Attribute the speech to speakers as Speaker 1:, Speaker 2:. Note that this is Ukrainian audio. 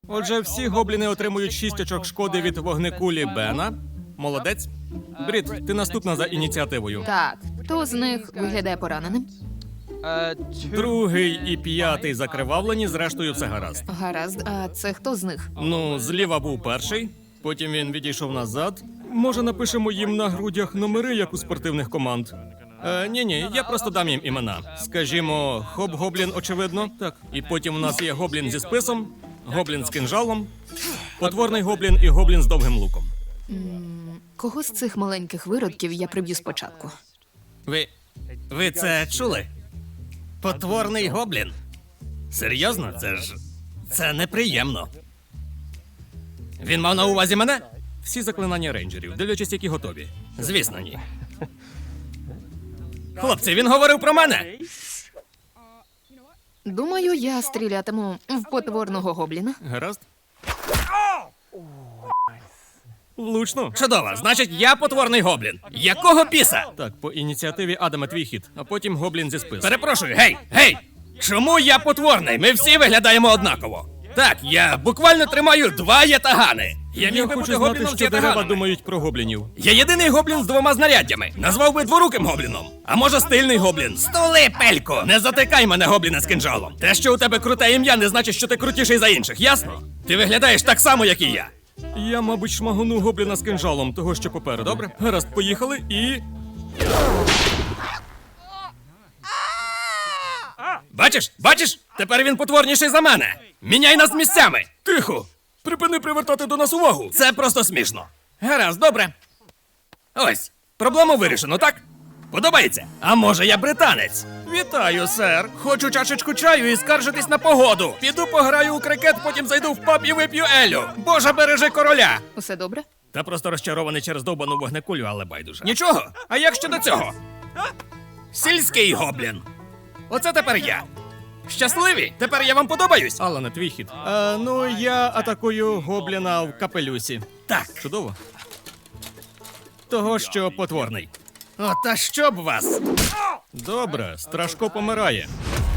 Speaker 1: Отже, всі гобліни отримують 6 очок шкоди від вогнекулі Бена. Молодець. Брід, ти наступна за ініціативою.
Speaker 2: Так, хто з них виглядає пораненим?
Speaker 1: Другий і п'ятий закривавлені, зрештою все гаразд.
Speaker 2: Гаразд, а це хто з них?
Speaker 1: Ну, зліва був перший, потім він відійшов назад. Може, напишемо їм на грудях номери, як у спортивних команд? Ні, я просто дам їм імена. Скажімо, Хоп-Гоблін, очевидно. Так. І потім у нас є Гоблін зі списом, Гоблін з кинжалом, Потворний Гоблін і Гоблін з довгим луком.
Speaker 2: Кого з цих маленьких виродків я приб'ю спочатку?
Speaker 1: Ви це чули? Потворний Гоблін? Серйозно? Це неприємно. Він мав на увазі мене? Всі заклинання рейнджерів, дивлячись, які готові. Звісно, ні. Хлопці, він говорив про мене!
Speaker 2: Думаю, я стрілятиму в потворного гобліна.
Speaker 1: Гаразд. Влучно. Чудово. Значить, я потворний гоблін. Якого біса? Так, по ініціативі Адама твій хід, а потім гоблін зі спису. Перепрошую, гей! Чому я потворний? Ми всі виглядаємо однаково. Так, я буквально тримаю 2 ятагани. Я міг би бути гобліном з ятаганами. Думають про гоблінів. Я єдиний гоблін з 2 знаряддями. Назвав би дворуким гобліном. А може стильний гоблін. Столи, пелько! Не затикай мене, гобліна з кинджалом. Те, що у тебе круте ім'я, не значить, що ти крутіший за інших, ясно? Ти виглядаєш так само, як і я. Я, мабуть, шмагону гобліна з кинджалом, того, що попереду. Добре? Гаразд, поїхали і... Бачиш? Тепер він потворніший за мене. Міняй нас місцями. Тихо. Припини привертати до нас увагу. Це просто смішно. Гаразд, добре. Ось, проблему вирішено, так? Подобається? А може я британець? Вітаю, сер. Хочу чашечку чаю і скаржитись на погоду. Піду пограю у крикет, потім зайду в паб і вип'ю елю. Боже, бережи короля.
Speaker 2: Усе добре?
Speaker 1: Та просто розчарований через довбану вогнекулю, але байдуже. Нічого. А як щодо цього? Сільський гоблін. Оце тепер я. Щасливі? Тепер я вам подобаюсь? Алане, твій хід. Ну, я атакую гобліна в капелюсі. Так. Чудово. Того, що потворний. О, та що б вас? Добре, Страшко помирає.